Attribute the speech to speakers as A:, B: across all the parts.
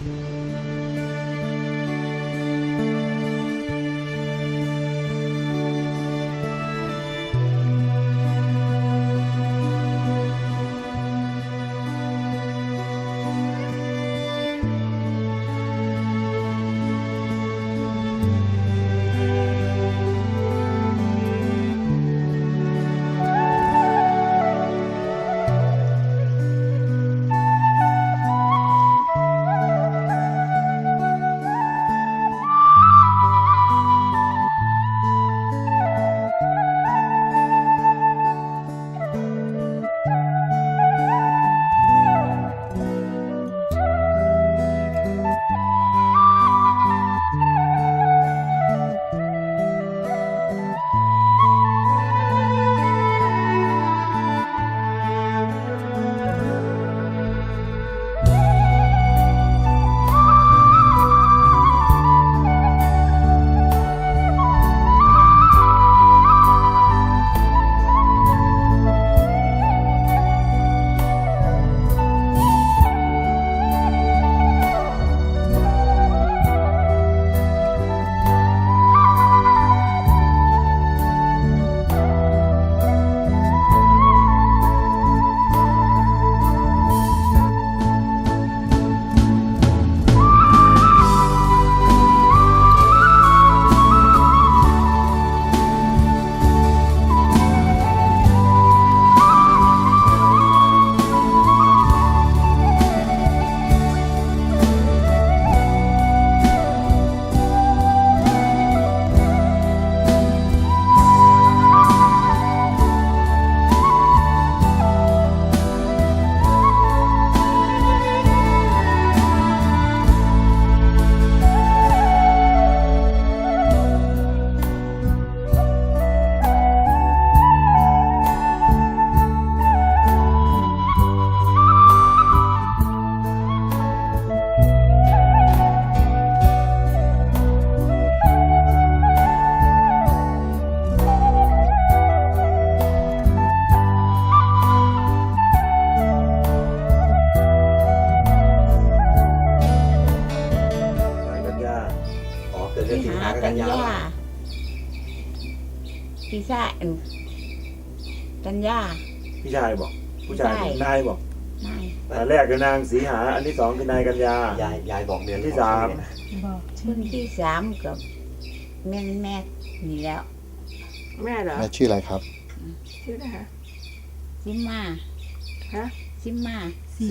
A: พี่ชายกัญญา
B: พี่ชายบอกผู้ชายนายบอก
A: นาย
B: อันแรกคือนางสีหาอันที่สองคือนายกัญญาย
C: ายบอกเดือน
B: ที่สาม
A: คนที่สามกับแม่นี่แล้ว
D: แม่เหรอ
E: แม่ชื่ออะไรครับ
D: ชื่ออะไรคะ
A: ซิมมา
D: ฮะ
A: ซิมมา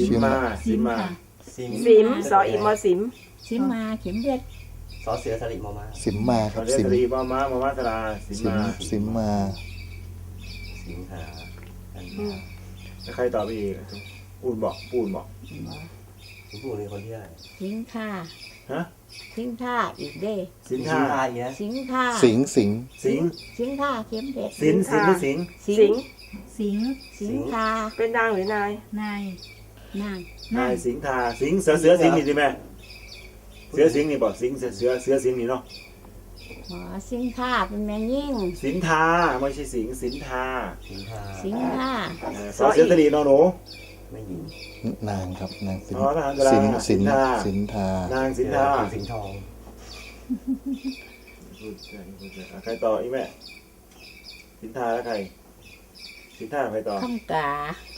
D: สิมสออิมอสิม
A: ซิมมาเข็มเพชร
C: สอเสือสลิมมา
E: สิมมาครับ
B: สิมมาสลา
E: สิมมา
C: สิงหา
B: ใครต่อไปอีกปูนบอก
C: พูดในคนที่อะไร
A: สิงท่า
B: ฮะ
A: สิงท่าอีกเด้
B: สิงท่า
A: สิงท่า
E: สิง
A: ท่าเข็มเพชร
B: สิง
A: ท่า
D: เป็นนางหรือนาย
B: สิงท่าสิงเสือสิงนี่สิแม่เสือสิงนี่บอกสิงเสือสิงนี่เนาะ
A: อ๋อสิงท่าเป็นแม่ยิ่ง
B: สินทาไม่ใช่สิงสินทา
A: สอ
B: เสือสลีนอหนู
C: ไม่ยิง
E: นางครับนางสินทาน
B: างสินทา
C: สิงทอง
B: ใครต่ออีแม่สินทาแล้วใครสินทาใครต่อ
A: คำกา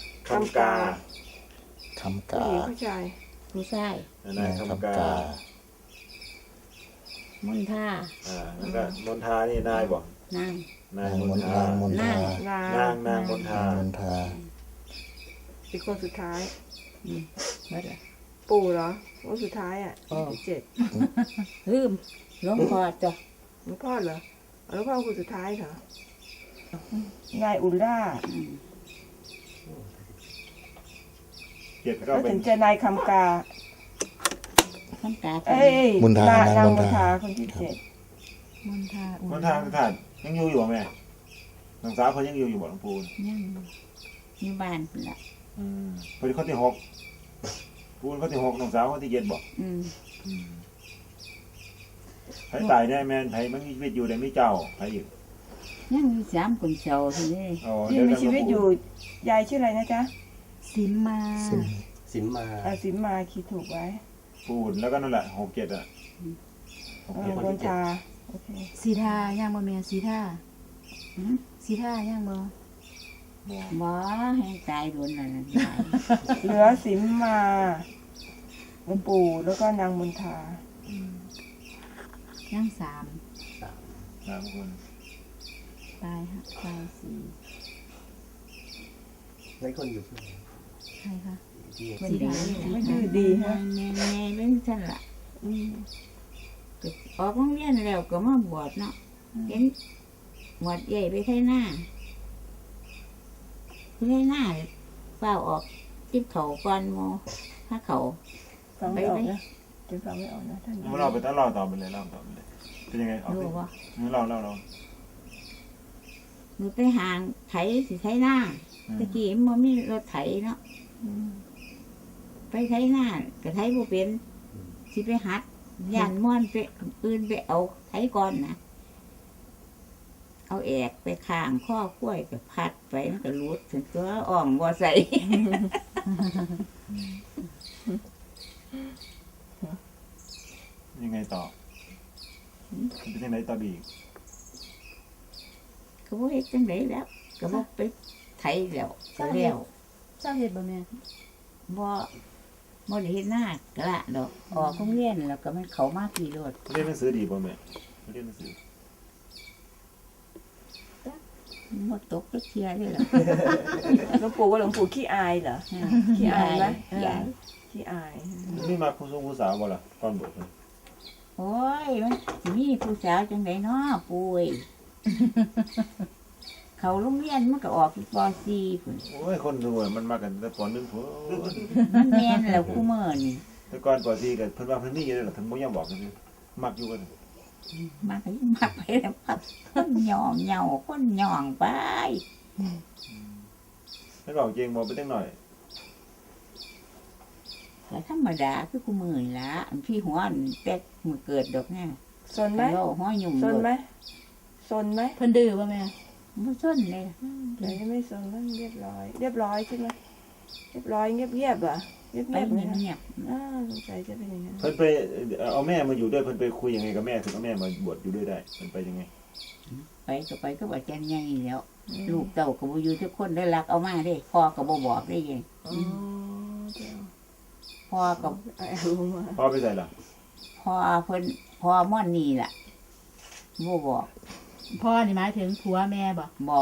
D: ผู้ชาย
B: นายคำกาม
A: นทา
B: แล้วก็มนทานี่นายบอก
A: นาง
B: มนทา
D: อีกคนสุดท้ายปู่เหรอคนสุดท้ายอ่ะ7
A: ลืมหลวงพ่อจ้ะ
D: หลวงพ่อเหรอหลวงพ่อคนสุดท้ายเหรอนายอุลล่าแล้วถึงจะนายคำกา
E: มนทานาง
D: มนทาคนที่7
A: มนทา
B: ท่านยังอยู่แม่นางสาวเขายังอยู่บ่หลวงปู่
A: ยังอยู่บ้านละ
B: พอดีเขาที่6ปู่เขาที่6นางสาวเขาที่7บ่ใครตายได้แม่นใครมันมีชีวิตอยู่ได้ไม่เจ้าใครอยู่
A: ยังมี3คนเจ้าทีนี้
D: ที่มีชีวิตอยู่ยายชื่ออะไรนะจ๊ะ
A: สิมมา
D: คิดถูกไว้
B: ปูนแล้วก็นั่นแหละ67อ่ะ67
D: บนชาโอเค
F: สีทาย่างบ่แม่สีทาสีทาย่างบ่
A: บ่ให้ตายโดนนั่นน่ะยาย
D: เหลือสิมมาหลวงปู่แล้วก็นางมนทา
B: อืม
F: ย่าง3
B: 3 คน
F: ตายฮะตาย4
C: แล้วคนอยู่ที่ไหน
F: ใครคะ
C: ที่
F: สีทา
D: ไม่ดื้อดีฮะ
A: แม่เรื่องซั่นล่ะก็ออกโรงเรียนแล้วก็มาบวชเนาะเห็นบวชใหญ่ไปไทหน้าเฝ้าออกจิ้มเขาก่อนโมถ้าเขา
D: ฟังไม่ออกนะจะฟังไม่ออกนะท่าน
B: เราไปต้องเล่าต่อไปเลยเป็นยังไงเอา
A: รู้
B: สิ
A: ว่า
B: เล่า
A: หนูไปห่างไถสิไถหน้าตะกี้มันมีรถไถเนาะไปไถหน้าก็ไถบ่เป็นสิไปหัดย่านม่อนไปอื่นไปเอาไถก่อนนะเอาแอกไปข้างข้อกล้วยก็พัดไปมันก็รุดถึงตัวอ่อมบ่ใส่
B: ยังไงต่อเป็นยังไงต่ออีก
A: ก็บ่เฮ็ดจังไดแล้วก็บ่ไปไถแล้วก็แล้ว
F: เจ้าเฮ็ดบ่แม่
A: บ่ได้เฮ็ดหน้ากะละดอกออกโรงเรียนแล้วก็มันเข้ามาพี่รถ
B: เรียนหนังสือดีป่ะแม่เรียนหนังสือ
A: หมดตกก็เชียร์เลยเหรอ
D: หลวงปู่ว่าหลวงปู่ขี้อายเหรอ ขี้อายไหม
A: ยาย
D: ขี้อาย
B: นี่มาผู้สาวบ่ล่ะก่อนบวชเลย
A: โอ้ยมันสิมีผู้สาวจังไดเนาะปุ้ย เขาโรงเรียนมันก็ออกที่ป .4 พุ่น
B: โอ้ยคนรวยมันมากันแต่ปอนนึงพุ่น
A: มันแม่นแล้วคู่มื้อนี่
B: แต่ก่อนปอซีกันเพิ่นว่าเพิ่นมีอยู่แล้วล่ะเพิ่นบ่ยอมบอกกันเลยมักอยู่กัน
A: มันก็ยังมักไปแล้วพักคนหย่องเหย่าคนหย่องไป
B: แล้วบอกจริงบ่ไปจังหน่อย
A: ก็ธรรมดาคือคู่มื้อนี่ล่ะอันพี่หัวอันแป๊กมื้อเกิดดอกแน่
D: สนไหม
A: เว้าหัวยุ่ม
D: สนไหม
A: โลด
D: สนไหม
F: เพิ่นดื้อบ่แม่
A: บ่สนเลย
D: เดี๋ยวนี้ไม่สนแล้วเรียบร้อย เรียบร้อยใช่ไหมเรียบร้อยเงียบๆเหรอเงี
A: ไป
D: ยบๆไหมคะ
A: เงียบ
D: สงสัยจะเป็นอย่างนั้น
B: เพิ่นไปเอาแม่มาอยู่ด้วยเพิ่นไปคุยยังไงกับแม่ถึงเอาแม่มาบวชอยู่ด้วยได้เพิ่นไปยังไง
A: ๆไปก็บ่จันใหญ่แล้ว ลูกเต้าก็บ่อยู่ทุกคนได้รักเอามาเด้พ่อก็บ่บอกได้ยัง
D: อ๋อเดี๋ยว
A: พ่อก็
D: เอารู้มา
B: พ่อไปใส่ล่ะ
A: พ่อเพิ่นพ่อม่อนนี่ล่ะบ่บอก
F: พ่อนี่หมายถึงผัวแม่บ่
A: บ่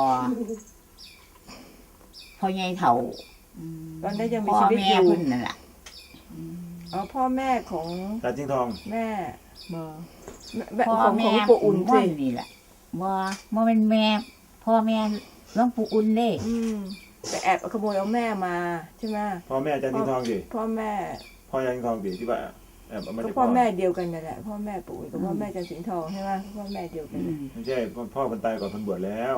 A: พ่อใหญ่เฒ่า
D: ตอนนี้ยังมี
A: พ่อ
D: ชีวิต
A: แม่
D: อยู่
A: เพิ่นนั่นล่ะ
D: อ๋อพ่อแม่ของ
B: ตาจิงทอง
D: แม่
F: บ่
D: แม่
A: พ่อ
D: ของ
A: แม่
D: ปู่อุ่น
A: ม่
D: สิ
A: อนนี่ล่ะบ่เป็นแม่ พ่อแม่หลวงปู่อุ่นเด้
D: ไปแอบขโมยเอาแม่มาใช่ไหม
B: พ่อแม่จาจิงทองดิ
D: พ่อแม่
B: พ่อจาจิงทองดิที่ว่าแอบเอามา
D: ก็
B: จาก
D: พ่อแม่เดียวกันนั่นแหละพ่อแม่ปู่อุ่นกับพ่อแม่จันทร์สิงห์ทองใช่ไหมพ่อแม่เดียวกัน
B: ไม่ใช่พ่อเพิ่นตายก่อนเพิ่นบวชแล้ว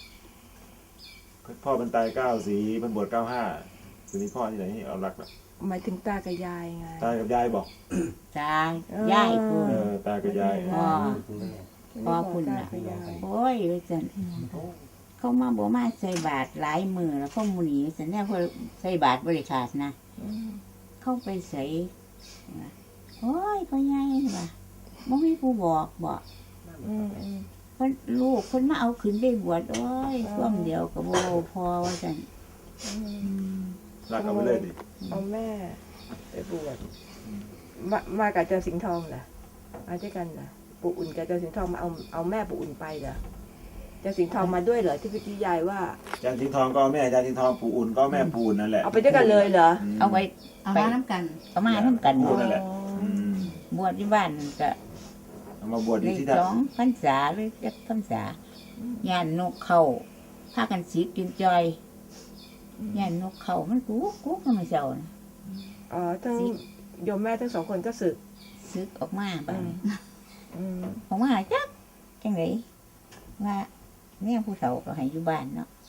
B: พ่อเพิ่นตาย94เพิ่นบวช95ทีนี้พ่อที่ไหนให้เอารักล่ะ
D: หมายถึงตากับยายไง
B: ตายกับยายบอก
A: ตาย่ายพุ่น
B: ตายกับยาย
A: พ่อ
C: คุณแม่
A: พ่อคุณน่ะ
D: ตากับยาย
A: โอ้ยว่าซั่นเขามาบ่มาใส่บาตรหลายมื้อแล้วเขาหมู่นี้ซั่นแน่เพิ่นใส่บาตรบ่ได้ขาดนะ เข้าไปใส่โอ้ยพ่อใหญ่ว่ะบ่มีผู้บอกบอก
D: อืม
A: เพิ่นลูกเพิ่นมาเอาขึ้นไปบวชโอ้ยช่วงเดียวก็บ่พอว่าซั่น
B: รักเอาไปเลยดิ
D: เอาแม่ไปบวชมากับจันทร์สิงห์ทองเหรอมาด้วยกันเหรอปู่อุ่นกับจันทร์สิงห์ทองมาเอาแม่ปู่อุ่นไปเหรอจันทร์สิงห์ทองมาด้วยเหรอที่พี่ยายว่า
B: จานจิงทองก็แม่จานจิงทองปู่อุ่นก็แม่ปู่อุ่นนั่นแหละ
D: เอาไปด้วยกันเลยเหรอ
A: เอาไว้
F: เอามาน้ำกัน
A: เอามานํกัน
B: ปู่นั่นแหละม
A: บวชที่บ้านก็
B: เอามาบวช
A: ได้
B: ที่ท่า
A: 2พรรษาหรือจักพรรษาย่านนกเข้าพากันสิกินจอยย่านนกเข้ามันกูก็มาเจ้านะ
D: อ๋อทั้งโยมแม่ทั้งสองคนก็สึก
A: ซึกออกมาบัดนี้
D: อืม
A: ออกมาจักจังไดว่าแม่ผู้เฒ่าก็ให้อยู่บ้านเนาะ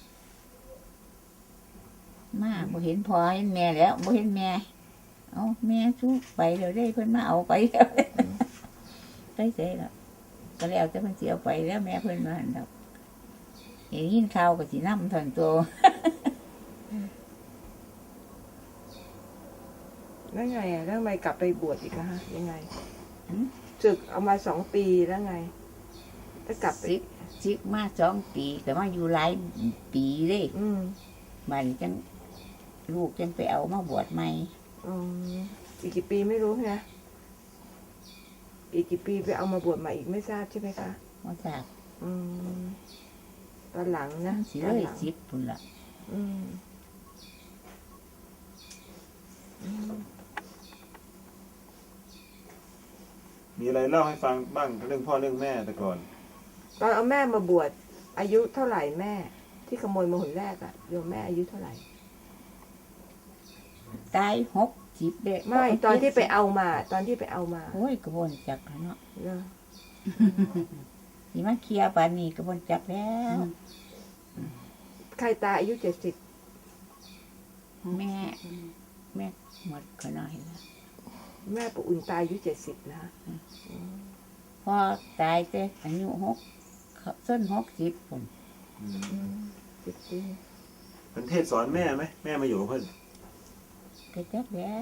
A: มาบ่เห็นพ่อเห็นแม่แล้วบ่เห็นแม่เอาแม่สู้ไปแล้วได้เพิ่นมาเอาไปแล้วไปเสร็จแล้วก็แล้วแต่เพิ่นสิเอาไปแล้วแม่เพิ่นว่าหั่นดอกเห็นยินข่าวก็สินำทันตัว
D: แล้วไงอ่ะแล้วทำไมกลับไปบวชอีกอะฮะยังไงศึกเอามา2 ปีแล้วไงแล้วกลับไป
A: ซิกมา2 ปีก็มาอยู่หลายปีเลย
D: อืม
A: มันจังลูกจังไปเอามาบวชใหม่
D: อืมอีกกี่ปีไม่รู้นะอีกกี่ปีไปเอามาบวชใหม่อีกไม่ทราบใช่ไหมคะ
A: ว่าจาก
D: อืมตอนหลังนะ
A: สิ
D: ตอน
A: เลย
D: หลัง
A: 10พุ่นละ
D: อืมอืม
B: มีอะไรเล่าให้ฟังบ้างเรื่องพ่อเรื่องแม่แต่ก่อน
D: ตอนเอาแม่มาบวชอายุเท่าไหร่แม่ ที่ขโมยมาหนแรกอะโยมแม่อายุเท่าไหร่
A: ตาย60เด้
D: ไม่ตอนที่ไปเอามา ตอนที่ไปเอามา
A: โอ้ยกระบวนจักแล้วเนาะ
D: เนอะ
A: สิมาเคลียร์ปานนี้กระบวนจักแล้ว
D: ใครตายอายุ70
A: แม่หมดก็น้อยแล้ว
D: แม่ปู่อุ่นตายอายุ70นะ
A: พ่อตายแต่อายุส้น60พุ่น
D: 10 ปี
B: เป็นเทศสอนแม่ไหมแม่มาอยู่กับเพื่อน
A: ก็จักแล้ว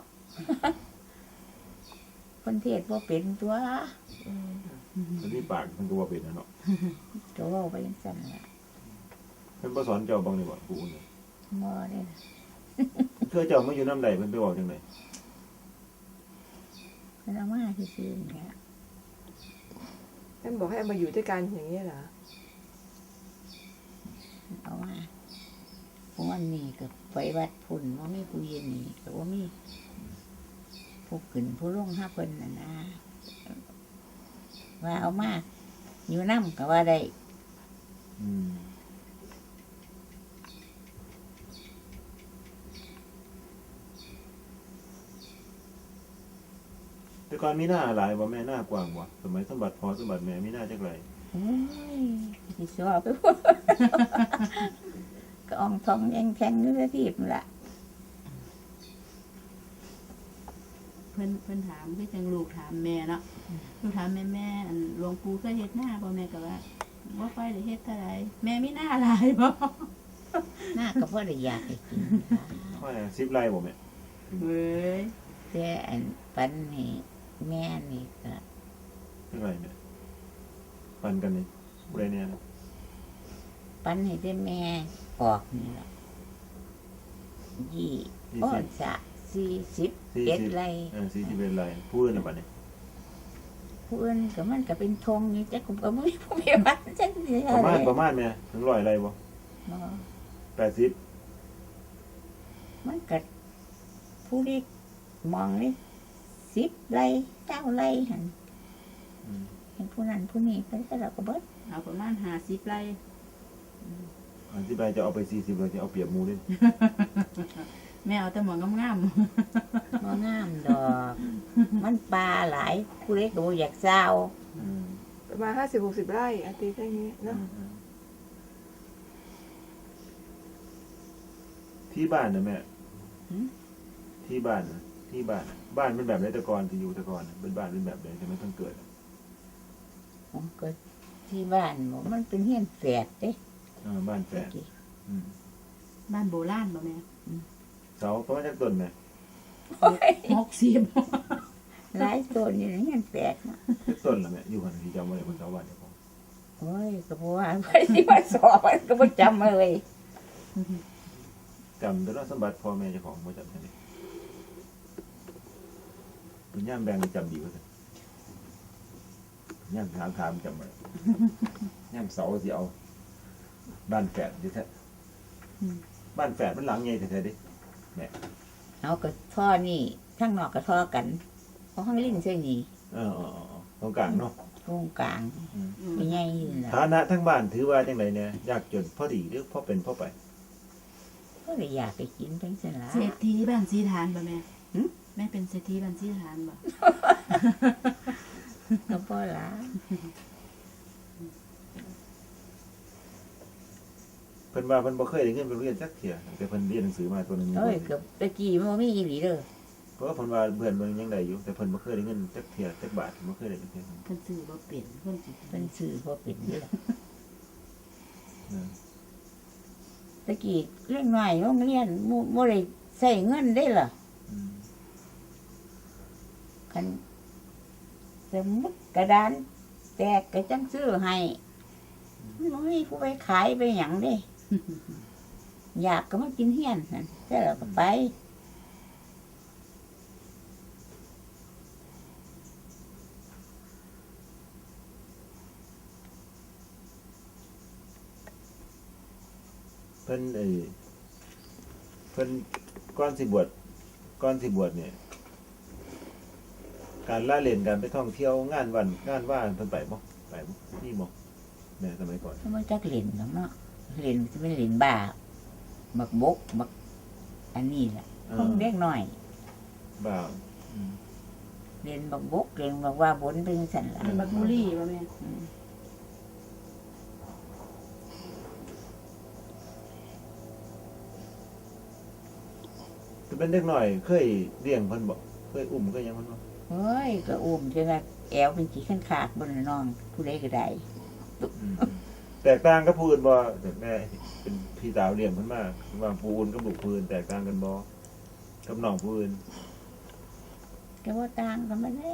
A: คนเทศบ่เป็นตัว
D: อืม
B: เป็นที่ปากมันก็ว่าเป็นนะเนาะ
A: ก็เว้าไปจังซั่นล่ะ
B: เพิ่นบ่สอนเจ้าบ้างนี่บ่ปู่เนี่ย
A: บ่ได้ล่ะ
B: เพื่อเจ้ามาอยู่น้ำใดเพิ่นไปบอกจังได
A: เพิ่นเอามาซื่อๆนี่แหละ
D: ท่านบอกให้เอามาอยู่ด้วยกันอย่างนี้เหรอ
A: เอามาวันนี้ก็ไปวัดพุ่นบ่มีผู้เย็นนี่ก็บ่มีผู้ขึ้นผู้ลงหาเพิ่นน่ะนะว่าเอามาอยู่นำก็ว่าได้
B: อืมแต่ก่อนมีหน้าหลายบ่แม่หน้ากว้างบ่สมัยสมบัติพ่อสมบัติแม่มีหน้าจักไร
A: โอ้ยสิสอบไปพุ่น ก็อองทองแองแทงอยู่ที่นั่นล่ะ
F: เพิ่นถามคือจังลูกถามแม่เนาะลูกถามแม่อันหลวงปู่เคยเฮ็ดหน้าบ่แม่ก็ว่าบ่ค่อยได้เฮ็ดเท่าไหร่แม่มีหน้าหลายบ่
A: หน้าก็พอได้อยากให้กิน
B: ค่อย10ไร่บ่แม่
F: เว้ย
A: แต่อันปันนี่แม่นี่ก็
B: จักไรแม่ปันกันนี่ผู้ใดเนี่ยนะ
A: ปันให้ได้แม่ออกนี่ล่ะโอ้จะ41ไร่
B: 41ไร่ผู้อื่นน่ะบัดนี้
A: ผู้อื่นก็มันก็เป็นธงอยู่จักก็บ่มีผู้มีบ้านจักสิ
B: ประมาณแม่ถึง100ไร่บ่
A: บ่
B: 80
A: มันก็ผู้ที่มองนี่10ไร่9ไร่หั่น
B: อืม
A: เห็นผู้นั้นผู้นี้ไปแต่ละก็เบิด
F: เอาประมาณ50ไร่
B: อันที่ไปจะเอาไป40เราจะเอาเปรียบหมู่เด้
F: แม่เอาแต่หมองงาม
A: บ่งามดอก มันปลาหลายผู้เล็กก็บ่อยากเศร้า
B: อืม
D: ประมาณ50-60 ไร่อาทิตย์อย่างนี้เนาะ
B: ที่บ้านนะแม่ที่บ้านนะที่บ้านน่ะบ้านเป็นแบบไหนแต่ก่อนที่อยู่แต่ก่อนน่ะเป็นบ้านเป็นแบบไหนแต่ไม่ต้องเกิดอะ
A: ผมก็ที่บ้านบ่มันเป็นเฮียนแฝดเด้
B: บ้านแฝดอืม
F: ๆบ้านโบราณบ่แม่
B: เสาประมาณจักต้นแม่
F: 60
A: หลายต้นอยู่ในเฮียนแฝดน่ะ
B: จักต้นละแม่อยู่กันที่จำไว้บนเสาบ้านเจ้าของ
A: โอ้ยก็บ่ว่าไปสิมาสอบมันก็บ่จำมาเลย
B: จำแต่ละสมบัติพ่อแม่เจ้าของบ่จำได้ดิเป็นย่ามแบงนี่จำดีกว่าสิย่ามถามจำไว้ย่ามเสาสิเอาบ้านแฝดดิแท้บ้านแฝดมันหลังใหญ่แท้ๆดิ
A: เอาก็ท่อนี่ข้างนอกก็ท่อกันเอาข้างลิ้นใส่นี่
B: ตรงกลางเนาะ
A: ตรงกลางมีใหญ่อยู่ล่ะ
B: ฐานะทั้งบ้านถือว่าจังไดเนี่ยยากจนพอดีหรือพอเป็นพอไป
A: ก็เลยอยากไปกินเป็นซั่นล่ะ
F: เศรษฐีบ้านสีฐานบ่แม่
A: หึ
F: แม่เป็นเศรษฐีบ้านสีฐานบ่
A: ก็บ่ล่ะ
B: เพิ่นว่าเพิ่นบ่เคยได้เงินไปโรงเรียนจักเที่ยแต่เพิ่นเรียนหนังสือมาตัวหนึง
A: โอ้ยก็ตะกี้มันบ่มีอีหลีเด้อ
B: เพราะว่าเพิ่นว่าเพื่อนเพิ่นยังได้อยู่แต่เพิ่นบ่เคยได้เงินจักเที่ยจักบาทบ่เคยได้จักเที่ย
F: เพิ่นซื้อบ่เป็นเพิ่นสิ
A: เป็นสื่อบ่เป็นอยู่ล่ะ
B: เออ
A: ตะกี้เล็กน้อยโรงเรียนบ่ได้ใช้เงินได้ล่ะ
B: อืม
A: คันสมมุติกระดานแตกก็จังซื้อให้มันบ่มีผู้ไปขายไปหยังเด้ อยากก็มากินเฮียนนั่นแต่เราก็ไป
B: เพิ่นเพิ่นก่อนสิบวชเนี่ย การล่าเล่นการไปท่องเที่ยวงานว่าเพิ่นไปบ่นี่บ่แม่สมัยก่อน
A: ถ้ามันจักเล่นเนาะเล่นจะเป็นเล่นบ้าบักบกบักอันนี้แหละพวกเด็กน้อย
B: บ่าว
A: เล่นบักบกเล่นบักว่าบนเป็นสันหลัง
F: บักบุรีบ่แม่
B: จะเป็นเด็กน้อยเคยเลี้ยงเพิ่นบ่เคยอุ้มก็ยังเพิ่นบ่
A: เฮ้ยก็อุ้มจนว่าแอวเป็นขี้ขันขาดบนน้องผู้ใดก็ได้
B: แตกต่างกับผู้อื่นบ่แต่แม่เป็นพี่สาวเลี้ยงเพิ่นมาว่าผู้อื่นกับลูกผู้อื่นแตกต่างกันบ่กับน้องผู้อื่น
A: ก็ว่าต่างกันมาได้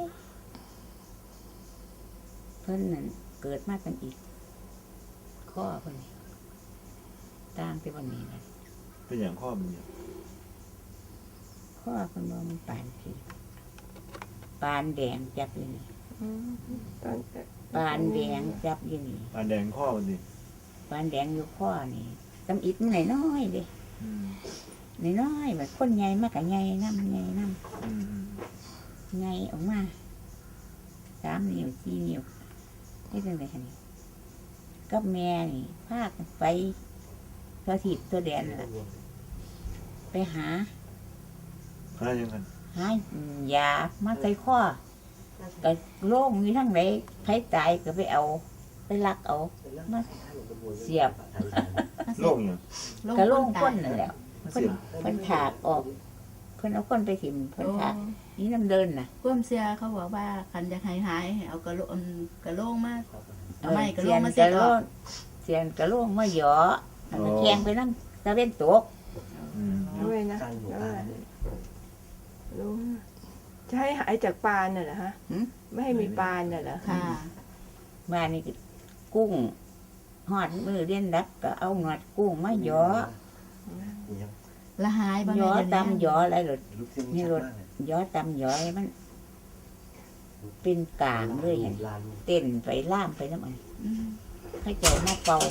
A: เพิ่นนั่นเกิดมากันอีกข้อเพิ่นนี่ต่างแต่วันนี้นะ
B: เป็นหยังข้อมันเนี่ย
A: ข้อเพิ่นว่ามันปานสีปานแดงจับอยู่นี่
D: ตอน
A: ปานแดงจับอยู่นี่
B: อันแดงข้อมันสิ
A: ปานแดงอยู่ข้อนี่ตำอิดมันน้อยๆเด้
B: อืม
A: น้อยๆแบบคนใหญ่มากกับใหญ่น้ำใหญ่น้
B: อืม
A: ำใหญ่ออกมา3 นิ้ว4 นิ้วนี่เป็นไรคะนี่กับแม่นี่พากันไปตัวทิศตัวแดนนั่นล่ะไปหา
B: หายังกัน
A: ยามาใส่ข้อก็โล่งอยู่ทั้งไหนใครตายก็ไปเอา ไปลักเอามาเสียบ
B: โรคหยัง
A: ก็โล่งก้นนั่นแหละ
B: เสียบ
A: เพิ่นถากออกเพิ่นเอาก้นไปถิ่มเพิ่นถากนี่น้ำเดินน่ะ
F: ความเสียเขาบอกว่าคันอยากหายให้เอากระโหลกมาเอาไม้กระโหล
A: เสีย
F: ก
A: น
F: มา
A: ก
F: สิ
A: ระ
F: อ
A: โล
F: อก
A: งเสียนกระโลงมาหยอแล้วมันแทงไปน้ำตะเวนตก
B: อืม
D: ด้วยนะ
C: สร้างหมู่
D: แล้ว
C: บ้าน
D: รู้จะให้หายจากปานน่ะเหรอฮะไม่ให้มีปานน่ะเหรอ
F: ค่ะ
A: บ้านนี่ก็กุ้งหอดมือเรียนดับก็เอาหนวดกุ้งมาหยอ
C: ยัง
F: ละหายบ่
A: หย
F: แม่
A: อ
F: เดี๋ยวนี้
A: ตำหยออะไรหรอ
C: ลูกเส้นชัดมากเลย
A: หยอตำหยอให้มัน เป็นกลางเลยเห็น
C: ลาน
A: เต้นไปล่ามไปน้ำมัน
F: อืม
A: เข้าเจ้ามาเป่า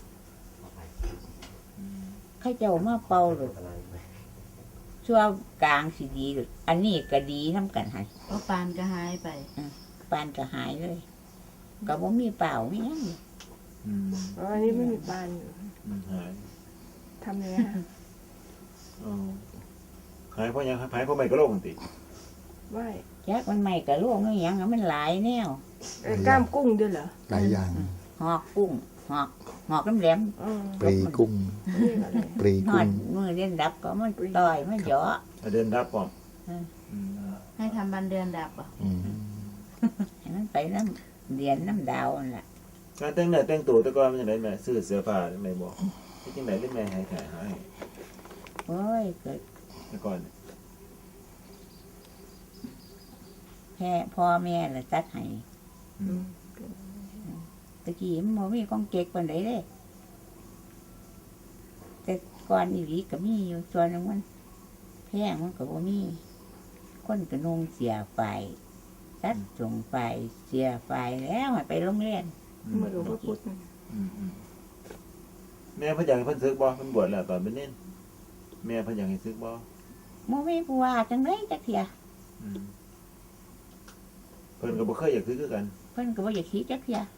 A: เข้าเจ้ามาเป่าหรือ
C: อะไรไหม
A: ชั่วกลางสิดีหรืออันนี้ก็ดีน้ำกันให้
F: เพราะปานก็หายไป
A: ปานก็หายเลยก็บ่มีเปล่าไม่ยัง
B: อืม
D: อ๋ออันนี้ไม่มีปานอยู่
B: หาย
D: ทำยังไงฮะ
B: อ๋อหายเพราะหยังหายเพราะไม่กระโหลกติ
D: ไหว
A: ยักมันใหม่กับลูกไม่ยังอะมันหลายแนว
D: กล้ามกุ้งด้วยเหรอ
E: หลายอย่าง
A: หอกกุ้งหอกน้ำแหลม
D: อืม
E: ปรีกุ้ง
D: นี่อะไร
E: ปรี
A: หอ
E: กุ้
A: ด
E: ง
A: มือเล่นดับก็มันต่อยมันหยอ
B: เดินรับป่อม
A: อืม
B: อืม
F: ให้ทำบันเดือนดับอ่ะ
E: อืม
A: ให้มันไปน้ำเดียนน้ำดาวนั่นแหละ
B: การแต่งเนื้อแต่งตัวแต่ก่อนมันจังไดแม่ซื้อเสื้อผ้าจังไดบ่ที่จังไดได้แม่ให้หาย
A: โอ้ยเกิด
B: แต่ก่อนเนี่ย
A: แค่พ่อแม่ละตัดให้
B: อืม
A: ตะกี้มันบ่มีของเก๊กปานใดเด้แต่ก่อนอีหลีก็มีอยู่ส่วนหนึงมันแพงมันก็บ่มีคนก็นุ่งเสียไฟตัดส่งไฟเสียไฟแล้วให้ไปโรงเรียน
D: เมื่อหลวงพ่อพุธนั่น
B: อืมแม่เพิ่นอยากให้เพิ่นซึกบ่เพิ่นบวชแล้วตอนเป็นเน้นแม่เพิ่นอยากให้ซึกบ่
A: บ่มีผู้ว่าจังไดจักเที่ย
B: อืมเพิ่นก็บ่เคยอยากซึกคือกัน
A: เพิ่นก็บ่อยากคิดจักเที่ย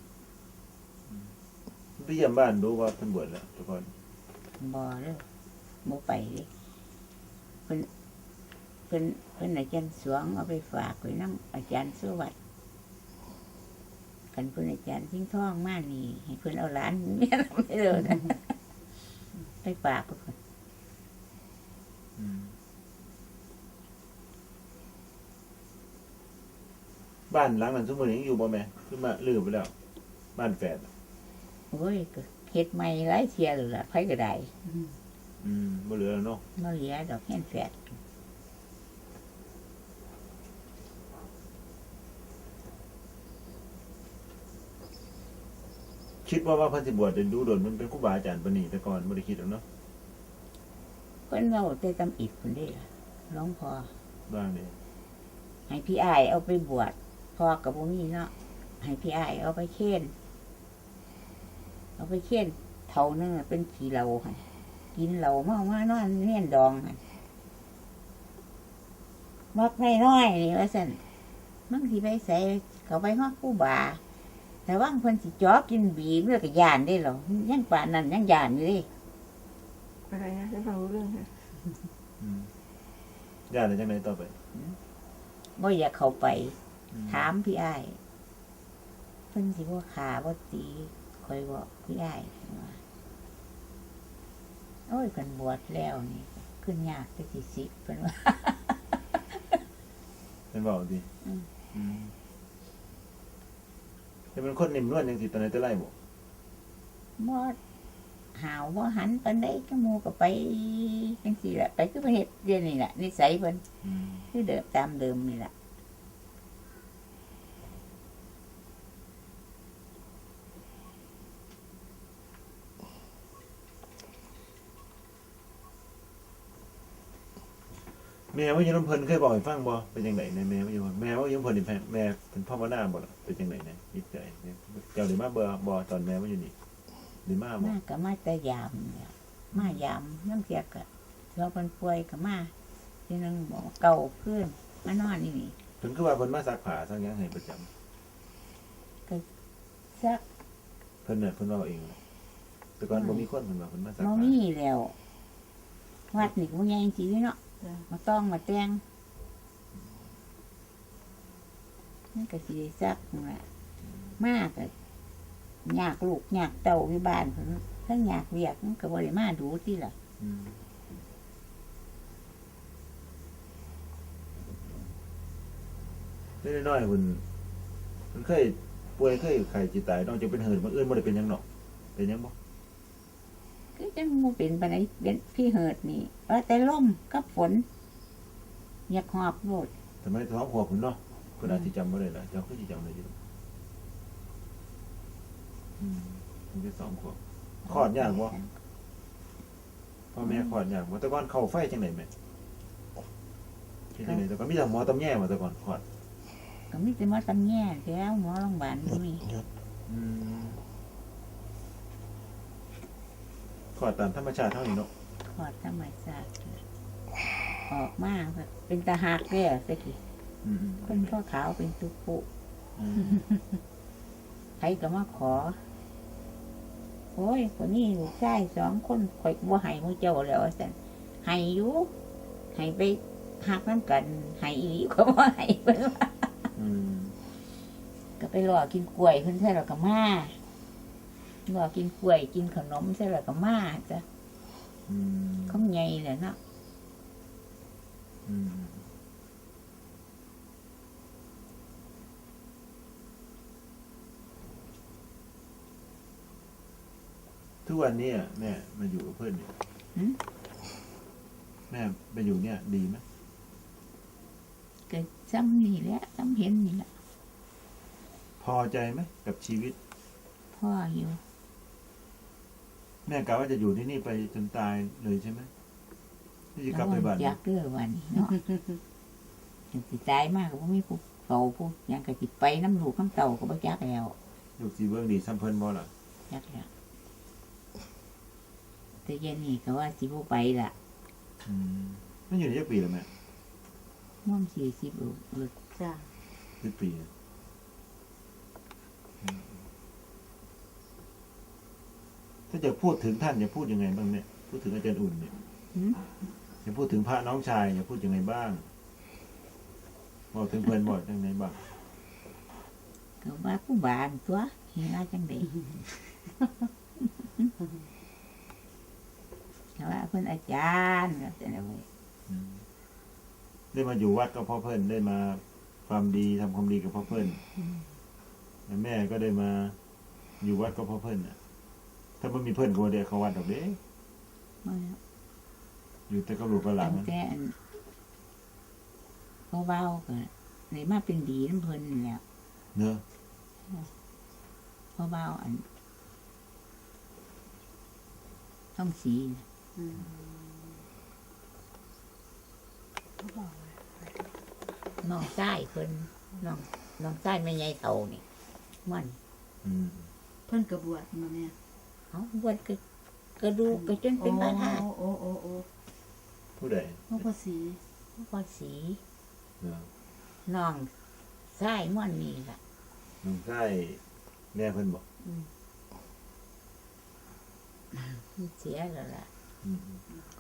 B: ไปเยี่ยมบ้านดูว่าเพิ่นบวชแล้วแต่ก่อน
A: บ่เด้อบ่ไปเด้เพิ่นอาจารย์สวงเอาไปฝากไว้นำอาจารย์สุวัสดิ์คันเพิ่นอาจารย์ทิ้งทองมานี่ให้เพิ่นเอาหลานเมียไม่เด้อนะไปฝากเพิ่น
B: อืมบ้านหลังนั้นซุมื้อนี้ยังอยู่บ่แม่ขึ้นมาลือไปแล้ว บ้านแฝด
A: โอ้ยก็เฮ็ดใหม่หลายเที่ยแล้วล่ะไผก็ได้
B: บ่เหลือแล้วเนาะ
A: บ่เหลือดอกแค่นแฝด
B: คิดว่าเพิ่นสิบวชจะดูโดนมันเป็นครูบาอาจารย์ปานนี้แต่ก่อนบ่ได้คิดหรอกเนาะ
A: เพิ่นเว้าแต่ตำอิดพุ่นเด้ล่ะหลวงพ่อ
B: บ้างนี่
A: ให้พี่อ้ายเอาไปบวชพ่อก็บ่มีเนาะให้พี่อ้ายเอาไปเค้นเท่านึงอะเป็นขี้เหล้าหั่นกินเหล้ามานอนเนียนดองหั่นมักน้อยๆนี่ว่าซั่นมันสิไปใส่เขาไปฮอดครูบาแต่ว่าเพิ่นสิจ่อกินบีบแล้วก็ย่านได้เหรอยังป่านนั้นยังย่านอยู่เด้
D: อะไรนะฉันฟังรู้เรื่องค่ะ
B: ย่านได้จังไดต่อไป
A: บ่อยากเข้าไป
B: อืม
A: ถามพี่อ้ายเพิ่นสิบ่ขาบ่ตีคอยบอกพี่อ้ายว่าโอ้ยเพิ่นบวชแล้วนี่ขึ้นยากแต่สิ10เพิ่นว่า
B: เป็นเว้าดิ
A: อืม
B: อืมแต่เป็นคนนิ่มนวลจังซี่ตอนไหนแต่ไรบ่
A: บ่หาวบ่หันปานใดก็หมู่ก็ไปจังซี่แหละไปคือไปเฮ็ดเดี๋ยวนี้แหละนิสัยเพิ่น
B: อืม
A: คือเดิมตามเดิมนี่แหละ
B: แม่ว่าอยู่นำเพิ่นเคยบอกให้ฟังบ่เป็นจังไดในแม่ว่าอยู่แม่ว่าอยู่นำเพิ่นนี่แม่เป็นภาวนาบ่ล่ะเป็นจังไดเนี่ยจิตใจเนี่ยเจ้าได้มาบ่ตอนแม่ว่าอยู่นี่ได้มาบ่
A: มาก็มาแต่ยามเนี่ยมายามน้ำเสียก็เราเพิ่นป่วยก็มาทีนึงบอกเก่าขึ้นมานอนนี่นี่
B: เพิ่นคือว่าเพิ่นมาซักผ้าซักหยังให้ประจำ
A: ซัก
B: เพิ่นน่ะเพิ่นเว้าเองเลยแต่ก่อนบ่มีคนเพิ่นว่าเพิ่นมาซัก
A: บ่
B: ผ้า
A: มีแล้ววัดนี่ก็บ่ใหญ่จริงๆเนาะ
F: จ้ะ
A: มาต้องมาแต่งนี่ก็สิได้ซักนั่นล่ะมากก็อยากลูกอยากเต้าอยู่บ้านเพิ่นทั้งอยากเวียกมันก็บ่ได้มาดูติล่ะ
B: อืมเล็กน้อยๆเพิ่นเคยป่วยเคยไข้จิตตายนอกจากเป็นเหินบ่อื่นบ่ได้เป็นหยังเนาะเป็นหยังบ่
A: คือจังบ่เป็นปานใดเป็นพี่เหิดนี่ว่าแต่ลมกับฝนอยากหอบโลด
B: ทำไมท้องขวบพุ่นเนาะเพิ่นอาจสิจำบ่ได้ล่ะเจ้าคือสิจำได้อยู่มันจะ2ขวบคลอดยากบ่พ่อแม่คลอดยากบ่แต่ก่อนเข้าไฟจังได๋แม่เฮ็ดจังได๋แต่ก่อนมีแต่หมอตำแยบ่แต่ก่อนคลอด
A: ก็มีแต่หมอตำแย่แล้วหมอโรงพยาบาลก็มี
B: อืมคลอดตามธรรมชาติเท่านี้เนาะ
A: คลอดธรรมชาติออกมาแบบเป็นตาหักเด้อสักที
B: อืม
A: คนพ่อขาวเป็นตุปุ
B: อืม
A: ใครก็มาขอ โอ้ยคนนี้ลูกชาย2 คนข่อยบ่ให้หมู่เจ้าแล้วว่าซั่นให้อยู่ให้ไปหักน้ำกันให้อีหลีก็บ่ให้เพิ่นว่า
B: อืม
A: ก็ไปรอกินกล้วยเพิ่นใส่แล้วก็มารอกินกล้วยกินขนมใส่แล้วก็มาจ้ะ
B: อืม
A: คำใหญ่แหละเนาะ
B: อืมทุกวันนี้อะแม่มาอยู่กับเพื่อนเนี่ยแม่ไปอยู่เนี่ย ดีไหม
A: ก็ซ้ำนี่แหละซ้ำเห็นนี่แหละ
B: พอใจไหมกับชีวิต
A: พ่ออยู่
B: แม่กะว่าจะอยู่ที่นี่ไปจนตายเลยใช่ไหมที่จะกลับไปบ้าน
A: อยากเด้อวันนี้เนาะ สิตายมากก็บ่มีผู้เฝ้าผู้หยังก็สิไปน้ำลูกน้ำเต่าก็บ่จักแล้ว
B: ลูกสีเบื้องดีซ้ำเพิ่นบ่ล่ะ
A: จักแล้วแต่เย็นนี่ก็ว่าสิบ่ไปล่ะ
B: มันอยู่ในจักปีแล้วแม่
A: ม่วง40ลูกเลิก
F: จ้ะ
B: 10 ปีอะถ้าจะพูดถึงท่านจะพูดยังไงบ้างเนี่ยพูดถึงอาจารย์อุ่นเนี่ย
A: หืม
B: จะพูดถึงพระน้องชายจะพูดยังไงบ้างบอกถึงเพื่อนบอกยังไงบ้าง
A: ก็ว่าผู้บานตัวเห็นว่าจังได๋ แต่ว่าเพิ่นอาจารย์ก็จะได้เว้ย
B: ได้มาอยู่วัดก็เพราะเพื่อนได้มาความดีทำความดีกับเพราะเพื่อนแม่ก็ได้มาอยู่วัดก็เพราะเพื่อนน่ะ ถ้าไม่มีเพื่อนก็บ่ได้เข้าวัดดอกเด้
A: มาแล้ว
B: อยู่แต่กับลูกกับหลา
A: ตั้
B: น
A: งแต่อันพ่อเว้าก็เลยมาเป็นดีน้ำเพิ่นนี่แหล้ว
B: เนอะ
A: พ่อเว้าอันท่องสีน่ะ
F: อืม
A: น้องชายเพิ่นน้องชายแม่ใหญ่เฒ่านี่มัน
B: อืม
F: เพิ่นก็บวชมาแม่
A: เอาบวชกระดูกก็จนเป็นพระธาตุ
F: โอ้
B: ผู้ใด
F: หลวงพ่อศรี
A: พอสี
B: เนาะ
A: น้องชายม่วนนี่ล่ะ
B: น้องชายแม่เพิ่นบอก
A: เสียแล้วล่ะ
B: อืม